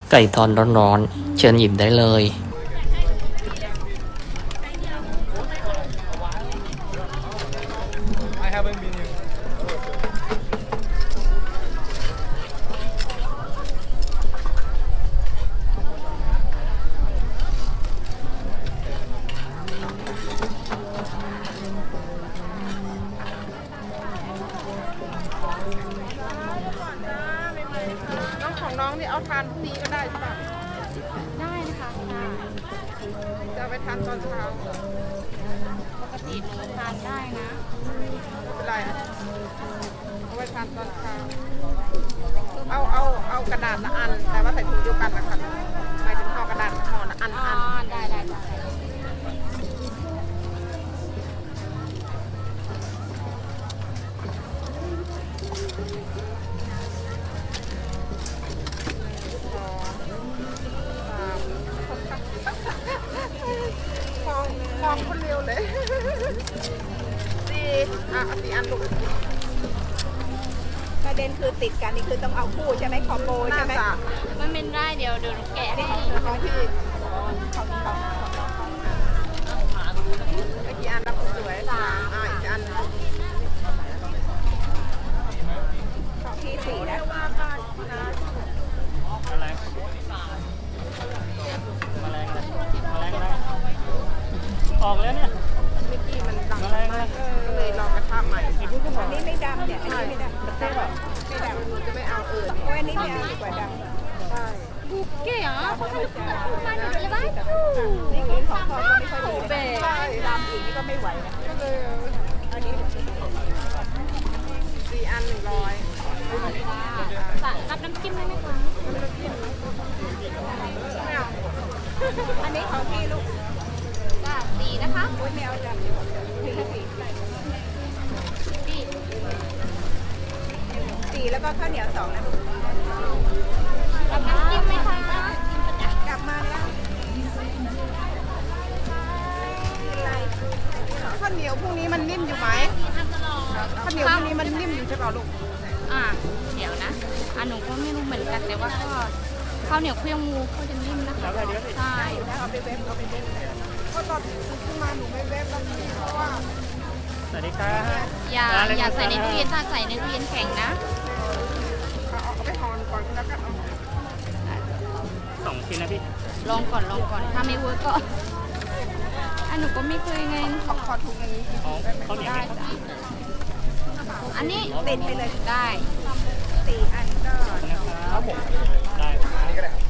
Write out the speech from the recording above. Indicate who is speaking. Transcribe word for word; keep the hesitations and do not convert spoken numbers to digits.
Speaker 1: ไก่ทอดร้อนๆเชิญหยิบได้เลย
Speaker 2: น้องของน้องนี่เอาทานพรุ่งนี้ก็ได้ใช่ป่ะ
Speaker 3: ได้นะคะ
Speaker 2: จะเอาไปทานตอนเช้า
Speaker 3: ปกติหนูทานได้นะ
Speaker 2: ไม่เป็นไรเอาไปทานตอนเช้าเอาเอาเอากระดาษละอันแต่ว่าใส่ถุงเดียวกันนะคะหมายถึงห่อกระดาษห่อละอัน
Speaker 3: อ๋อ
Speaker 2: อัน
Speaker 3: ได้ได้ได้
Speaker 2: มองมองคนเร็วเลยสี่อ่ะสี่อันลูก
Speaker 4: ประเด็นคือติดกันนี่คือต้องเอาคู่ใช่ไหมคอมโบใช่ไหม
Speaker 2: น่าจะ
Speaker 3: มันเป็นได้เดี๋ยวเดี๋ยวหนูแกะให้
Speaker 2: ของพี่ของของเอากี่อันรับสวยสามอ่ะอีกอัน
Speaker 4: ของที่สี่นะ
Speaker 5: ออกแล้วเนี่ย
Speaker 2: เมื่อกี้มันดังมากก็เลยลองกระทะใหม่
Speaker 4: อันนี้ไม่ดำเนี่ย อันนี้ไม่ดำไม่ดำไม่ดำ
Speaker 2: หนูจะไม่เอาเออ
Speaker 4: โอ้ยอันนี้ไม่เอาดีกว่าดำ
Speaker 2: ใช่
Speaker 3: เก๋เหรอเขาให้ลูกมาหนูเลยบ้าง
Speaker 4: นี่คือของทอดก็ไม่ค่อยดีนะดำอีกนี่ก็ไม่ไหวนะ
Speaker 2: ก็เลย
Speaker 4: อันนี้
Speaker 2: สี่อันหนึ่งร้อย
Speaker 3: รับน้ำจิ้มได้ไหมคะ
Speaker 2: ไม่เอา
Speaker 4: อันนี้ของพี่ลูก
Speaker 3: จ้าสีนะคะ
Speaker 4: โอ้ยไม่เอาดำดีกว่าพี่สี่
Speaker 3: พี่
Speaker 4: สี่แล้วก็ข้าวเหนียวสองนะลูก
Speaker 3: รับน้ำจิ้มไหมคะ
Speaker 4: กลับมาแล้วเป็นไร
Speaker 2: ข้าวเหนียวพรุ่งนี้มันนิ่มอยู่ไหมข้าวเหนียวพรุ่งนี้มันนิ่มอยู่ใช่เปล่าลูก
Speaker 3: อ่าเดี๋ยวนะอ่ะหนูก็ไม่รู้เหมือนกันแต่ว่าก็ข้าวเหนียวเครื่องงูเขาจะนิ่มนะคะใช่
Speaker 4: นะเอาไปเว็บเอาไปเว็บ
Speaker 2: เพราะตอนขึ้นมาหนูไม่เวฟแล้วเพราะว่า
Speaker 5: สวัสดีครับ
Speaker 3: อย่าอย่าใส่ในตู้เย็นถ้าใส่ในตู้เย็นแข็งนะ
Speaker 2: เอาเอาไปห่อก่อนแล้วก็เอา
Speaker 5: สองชิ้นนะพี่
Speaker 3: ลองก่อนลองก่อนถ้าไม่เวิร์กก็อันหนูก็ไม่เคยไง
Speaker 2: ขอขอถุงอย่างนี้
Speaker 5: เอาข้าวเหนียว
Speaker 3: ได้
Speaker 5: ไหมครับ
Speaker 3: จ้ะอันนี้
Speaker 4: ติดไปเลย
Speaker 3: ได้
Speaker 4: สี่อันก็
Speaker 5: นะครับผมได้ครับ